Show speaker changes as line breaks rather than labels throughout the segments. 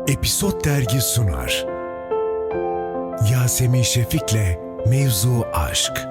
Episod Dergi sunar. Yasemin Şefik'le Mevzu Aşk.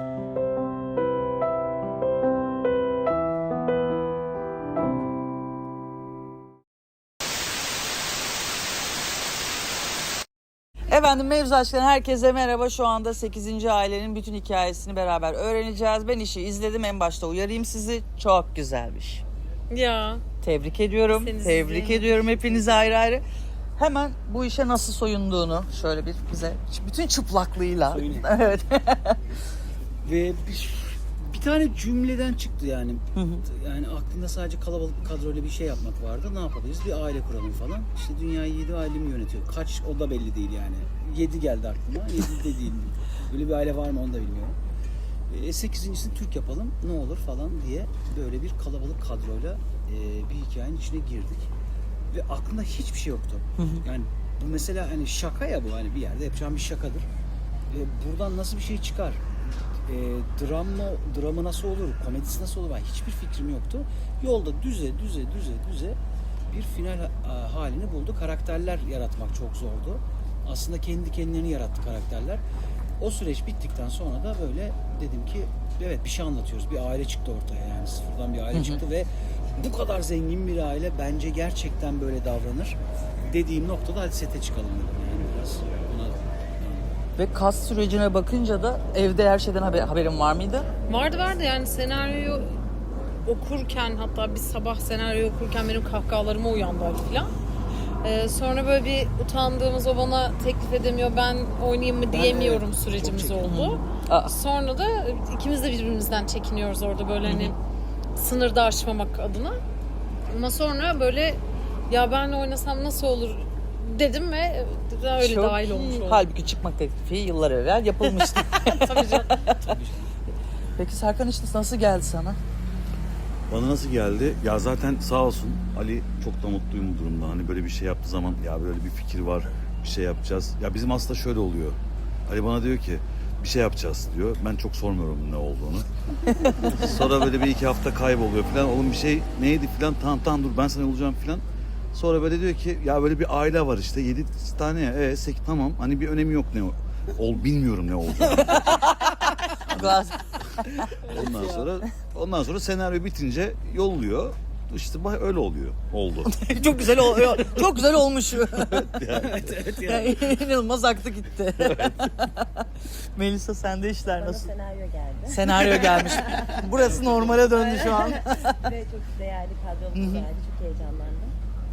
Efendim Mevzu Aşk'tan herkese merhaba. Şu anda 8. ailenin bütün hikayesini beraber öğreneceğiz. Ben işi izledim, en başta uyarayım sizi. Çok güzelmiş.
Ya.
Tebrik ediyorum. Tebrik ediyorum hepinizi ayrı ayrı. Hemen bu işe nasıl soyunduğunu şöyle bize bütün çıplaklığıyla. Evet.
Ve bir tane cümleden çıktı yani. Yani aklında sadece kalabalık bir kadroyla bir şey yapmak vardı. Ne yapabiliriz? Bir aile kuralım falan. İşte dünyayı 7 aile mi yönetiyor? Kaç o da belli değil yani. 7 geldi aklıma. 7 de değil. Böyle bir aile var mı onu da bilmiyorum. 8.'sini Türk yapalım ne olur falan diye böyle bir kalabalık kadroyla bir hikayenin içine girdik. Ve aklımda hiçbir şey yoktu. Yani bu mesela hani şaka ya bu, hani bir yerde yapacağım bir şakadır. Buradan nasıl bir şey çıkar? Dramı nasıl olur? Komedisi nasıl olur? Hiçbir fikrim yoktu. Yolda düze bir final halini buldu. Karakterler yaratmak çok zordu. Aslında kendi kendilerini yarattı karakterler. O süreç bittikten sonra da böyle dedim ki evet bir şey anlatıyoruz. Bir aile çıktı ortaya, yani sıfırdan bir aile çıktı ve bu kadar zengin bir aile bence gerçekten böyle davranır dediğim noktada hadi sete çıkalım dedim, yani biraz ona.
Ve kas sürecine bakınca da evde her şeyden haberin var mıydı?
Vardı yani senaryoyu okurken, hatta bir sabah senaryoyu okurken benim kahkahalarıma uyandı falan. Sonra böyle bir utandığımız, o bana teklif edemiyor, ben oynayayım mı diyemiyorum sürecimiz oldu. Sonra da ikimiz de birbirimizden çekiniyoruz orada böyle hani sınırda aşmamak adına. Ama sonra böyle ya ben oynasam nasıl olur dedim ve öyle
Çok
dahil
iyi.
olmuş oldum.
Halbuki çıkmak teklifi yıllar evvel yapılmıştı.
Tabii canım.
Peki Serkan, işte nasıl geldi sana?
Bana nasıl geldi? Ya zaten sağ olsun Ali, çok da mutluyum bu durumda. Hani böyle bir şey yaptığı zaman ya böyle bir fikir var, bir şey yapacağız. Ya bizim aslında şöyle oluyor. Ali bana diyor ki bir şey yapacağız diyor. Ben çok sormuyorum ne olduğunu. Sonra böyle bir iki hafta kayboluyor falan. Oğlum bir şey neydi falan, tamam dur ben sana olacağım falan. Sonra böyle diyor ki ya böyle bir aile var işte 7 tane ya. 8 tamam, hani bir önemi yok ne bilmiyorum ne olacağını. Ondan sonra senaryo bitince yolluyor. İşte öyle oluyor. Oldu.
Çok güzel oluyor. Çok güzel olmuş.
Evet yani.
İnanılmaz aktı gitti. Melisa, sende işler
Bana
nasıl?
senaryo geldi.
Senaryo gelmiş. Burası normale döndü şu an.
Ve çok değerli kadromuz geldi. Çok heyecanlandım.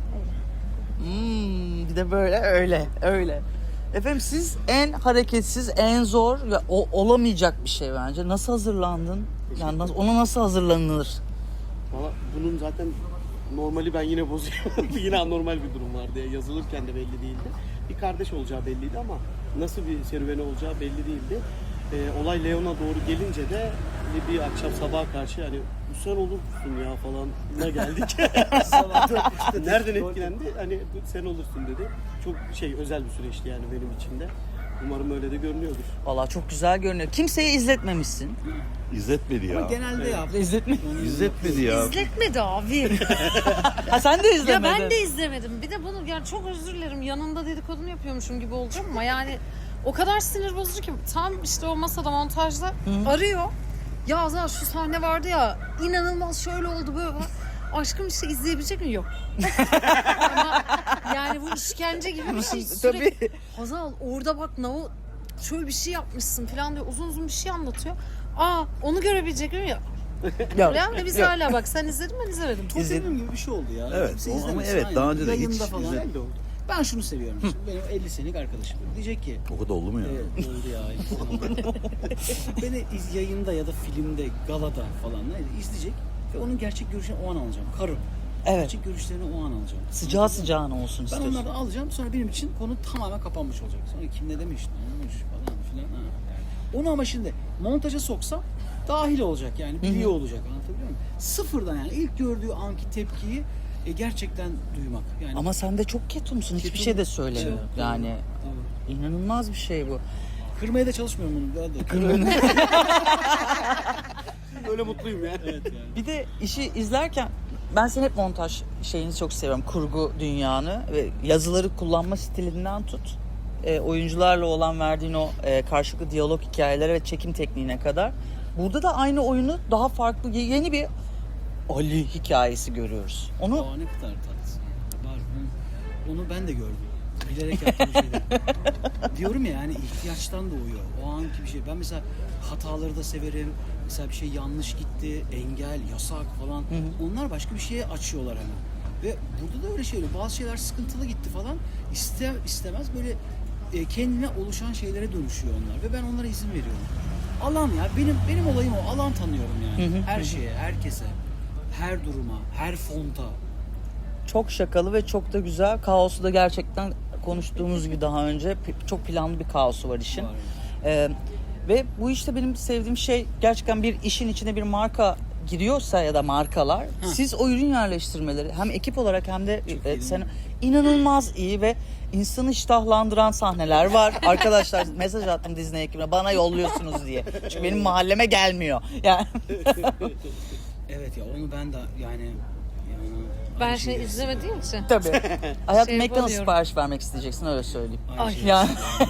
Öyle.
Bir de böyle öyle. Efendim siz en hareketsiz, en zor ve olamayacak bir şey bence. Nasıl hazırlandın? Yani ona nasıl hazırlanılır?
Valla bunun zaten normali ben yine bozuyorum. Yine anormal bir durum vardı. Yazılırken de belli değildi. Bir kardeş olacağı belliydi ama nasıl bir serüveni olacağı belli değildi. Olay Leon'a doğru gelince de bir akşam sabaha karşı hani bu sen olursun ya falan geldik. Nereden etkilendi? Hani sen olursun dedi. Çok özel bir süreçti yani benim için de. Umarım öyle de görünüyordur.
Vallahi çok güzel görünüyor. Kimseye izletmemişsin.
İzletmedi ya.
Ama genelde yaptı.
İzletmedi ya.
İzletmedi abi.
Ha, sen de
Ya
izlemedin.
ben de izlemedim. Bir de bunu yani çok özür dilerim. Yanında dedikodunu yapıyormuşum gibi olacağım ama yani o kadar sinir bozucu ki tam işte o masada montajda arıyor. Ya Azar şu sahne vardı ya, inanılmaz şöyle oldu böyle. Aşkım işte izleyebilecek mi? Yok. Ama yani bu işkence gibi bir şey sürekli.
Tabii.
Hazal orada bak şöyle bir şey yapmışsın falan diyor. Uzun bir şey anlatıyor. Onu görebilecek miyim? Yok.
Yok.
Yani biz hala bak, sen izledin, ben izlemedim.
Çok sevdiğim gibi bir şey oldu ya.
Evet,
Kimse
ama
izlemesin,
evet,
aynen.
daha önce de hiç
Yayında falan
izle-
öyle oldu. Ben şunu seviyorum. Şimdi benim 50 senelik arkadaşım diyecek ki
O kadar oldu mu ya?
evet, oldu ya 50 sene oldu. Beni yayında ya da filmde, galada falan izleyecek ve onun gerçek görüşlerini o an alacağım. Karım.
Evet.
Gerçek görüşlerini o an alacağım.
Sıcağı sıcağına olsun
Ben
istiyorsun.
onlardan alacağım, sonra benim için konu tamamen kapanmış olacak. Sonra kim ne demiş, ne olmuş falan filan. Onu ama şimdi montaja soksam dahil olacak yani, biliyor olacak, anlatabiliyor muyum? Sıfırdan yani ilk gördüğü anki tepkiyi gerçekten duymak. Yani
Ama sen de çok ketumsun. Hiçbir şey de söylemiyor.
Evet,
Yani
tabii.
inanılmaz bir şey bu.
Kırmaya da çalışmıyorum bunu. Öyle mutluyum yani. Evet yani.
Bir de işi izlerken ben senin hep montaj şeyini çok seviyorum. Kurgu dünyanı ve yazıları kullanma stilinden tut. Oyuncularla olan verdiğin o karşılıklı diyalog hikayeleri ve çekim tekniğine kadar. Burada da aynı oyunu daha farklı, yeni bir Ali hikayesi görüyoruz. Onu
Aa, ne kadar tatlısın. Var. Onu ben de gördüm. Bilerek yaptığım şeyler. Diyorum ya yani ihtiyaçtan doğuyor. O anki bir şey. Ben mesela hataları da severim. Mesela bir şey yanlış gitti, engel, yasak falan. Onlar başka bir şeye açıyorlar hemen. Ve burada da öyle şeyler. Bazı şeyler sıkıntılı gitti falan. İstemez böyle kendine oluşan şeylere dönüşüyor onlar. Ve ben onlara izin veriyorum. Alan ya. Benim olayım o. Alan tanıyorum yani. Her şeye, herkese. Her duruma, her fonta.
çok şakalı ve çok da güzel. Kaosu da gerçekten konuştuğumuz gibi daha önce çok planlı bir kaosu var işin.
Var.
Ve bu işte benim sevdiğim şey gerçekten bir işin içine bir marka giriyorsa ya da markalar siz o ürün yerleştirmeleri hem ekip olarak hem de sen inanılmaz iyi ve insanı iştahlandıran sahneler var. Arkadaşlar mesaj attım Disney ekibine bana yolluyorsunuz diye. Çünkü benim mahalleme gelmiyor. Yani
Evet ya onu ben de yani
Ben
aynı
şey
şeyi
izlemediğim için.
tabii. Hayatım
Şey
McDonald's
yapamıyorum.
sipariş vermek isteyeceksin öyle söyleyeyim.
Aynı şeyi
Yani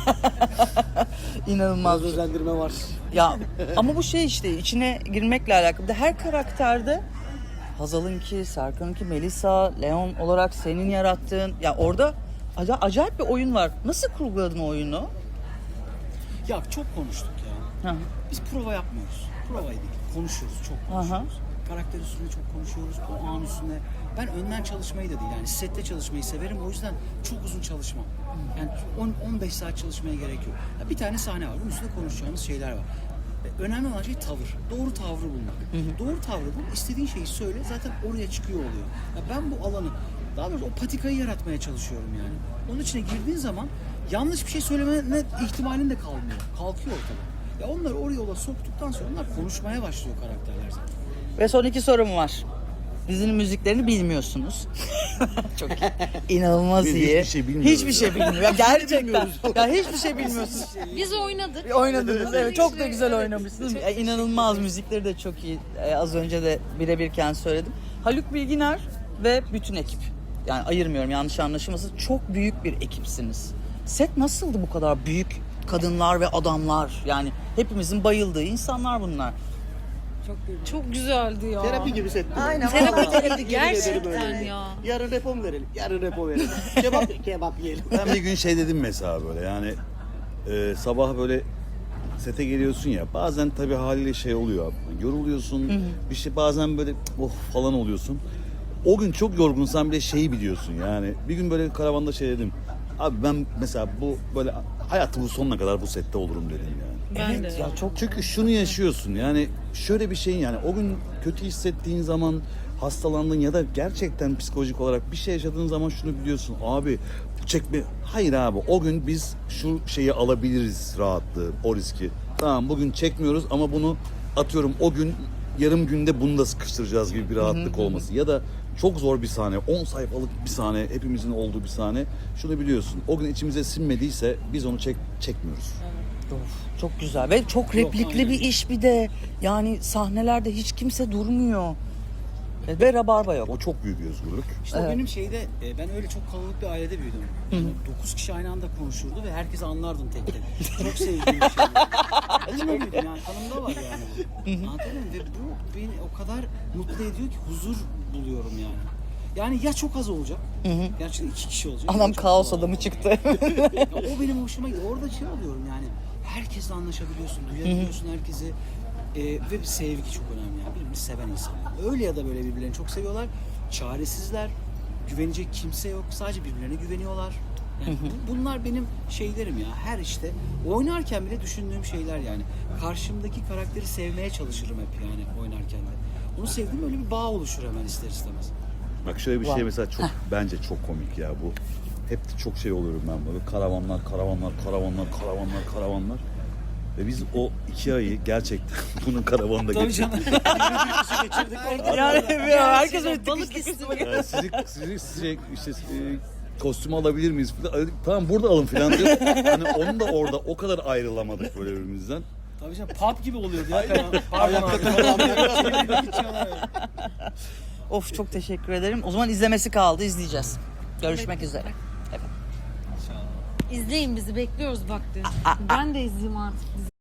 inanılmaz.
Az özendirme var.
Ya ama bu şey işte içine girmekle alakalı. Bir de her karakterde Hazal'ınki, Serkan'ınki, Melisa, Leon olarak senin yarattığın ya orada acayip bir oyun var. Nasıl kurguladın o oyunu?
Ya çok konuştuk ya.
Hı.
Biz prova yapmıyoruz. Provaydı. Konuşuyoruz, çok konuşuyoruz. Karakter üstünde çok konuşuyoruz. O an üstünde. Ben önden çalışmayı da değil. Yani sette çalışmayı severim. O yüzden çok uzun çalışmam. Yani 10-15 saat çalışmaya gerek yok. Ya bir tane sahne var. Bunun üstünde konuşacağımız şeyler var. Önemli olan şey tavır. Doğru tavrı bulmak. Doğru tavrı bul. İstediğin şeyi söyle. Zaten oraya çıkıyor oluyor. Ya ben bu alanı, daha doğrusu o patikayı yaratmaya çalışıyorum yani. Onun içine girdiğin zaman yanlış bir şey söylemene ihtimalin de kalmıyor. Kalkıyor ortadan. Ya onları oraya yola soktuktan sonra onlar konuşmaya başlıyor karakterler zaten.
Ve son 2 sorum var. Dizinin müziklerini bilmiyorsunuz. Çok iyi. İnanılmaz
Biz
iyi.
hiçbir şey bilmiyoruz
Hiçbir şey bilmiyorum. Ya gerçekten. Ya hiçbir şey bilmiyorsunuz.
Biz oynadık.
Oynadınız evet çok da güzel oynamışsınız. İnanılmaz müzikleri de çok iyi. Az önce de birebirken söyledim. Haluk Bilginer ve bütün ekip. Yani ayırmıyorum yanlış anlaşılmasın. Çok büyük bir ekipsiniz. Set nasıldı bu kadar büyük kadınlar ve adamlar? Yani hepimizin bayıldığı insanlar bunlar.
Çok güzeldi ya.
Terapi gibi setti.
Aynen.
Terapi
Yemin
gibiydi
ederim
gerçekten
öyle.
ya.
Yarın repo mu verelim? Yarın repo verelim. Kebap yiyelim.
Ben bir gün şey dedim mesela böyle yani sabah böyle sete geliyorsun ya bazen tabii haliyle şey oluyor yoruluyorsun bir şey bazen böyle oh falan oluyorsun. O gün çok yorgunsan bile şeyi biliyorsun yani bir gün böyle karavanda şey dedim abi ben mesela bu böyle hayatımın sonuna kadar bu sette olurum dedim yani.
Ben de.
Ya çok
Çünkü şunu yaşıyorsun yani şöyle bir şeyin yani o gün kötü hissettiğin zaman hastalandın ya da gerçekten psikolojik olarak bir şey yaşadığın zaman şunu biliyorsun abi çekme hayır abi o gün biz şu şeyi alabiliriz rahatlığı o riski tamam bugün çekmiyoruz ama bunu atıyorum o gün yarım günde bunu da sıkıştıracağız gibi bir rahatlık olması ya da çok zor bir sahne 10 sayfalık bir sahne hepimizin olduğu bir sahne şunu biliyorsun o gün içimize sinmediyse biz onu çekmiyoruz.
Of, çok güzel ve çok replikli
aynen.
bir iş bir de. Yani sahnelerde hiç kimse durmuyor. Ve rabarba yok.
O çok büyük bir özgürlük.
İşte o benim şeyde ben öyle çok kalabalık bir ailede büyüdüm. Yani 9 kişi aynı anda konuşurdu ve herkesi anlardım tek tek. Çok sevdiğim bir şey. Onunla büyüdüm yani kanımda var yani bu. Anladın mı? Ve bu beni o kadar mutlu ediyor ki huzur buluyorum yani. Yani ya çok az olacak. Gerçekten 2 kişi olacak.
Adam
ya çok
kaos
az
adamı
olacak.
çıktı.
Ya o benim hoşuma gidiyor. Orada şey oluyorum yani. Herkesle anlaşabiliyorsun, duyabiliyorsun herkesi. Ve bir sevgi çok önemli yani. Birbirini seven insanlar. Öyle ya da böyle birbirlerini çok seviyorlar. Çaresizler. Güvenecek kimse yok. Sadece birbirlerine güveniyorlar. Yani bunlar benim şeylerim ya. Her işte oynarken bile düşündüğüm şeyler yani. Karşımdaki karakteri sevmeye çalışırım hep yani oynarken de. Onu sevdiğim öyle bir bağ oluşur hemen ister istemez.
Bak şöyle bir şey mesela çok bence çok komik ya bu. Hep de çok şey oluyorum ben böyle karavanlar. Ve biz o 2 ayı gerçekten bunun karavanında
Tabii
geçirdik.
canım.
Geçirdik orada.
Yani herkes
Balık
balık
istiyor.
Yani sizi işte kostümü alabilir miyiz falan. Tamam burada alın falan diyor. Hani onun da orada o kadar ayrılamadık böyle birbirimizden.
Tabii canım pub gibi oluyordu ya. Pardon abi. Falan. Geçiyorlar.
Of çok teşekkür ederim. O zaman izlemesi kaldı, izleyeceğiz. Görüşmek üzere. Evet.
İzleyin bizi bekliyoruz bak diyor. Ben de izleyeyim artık.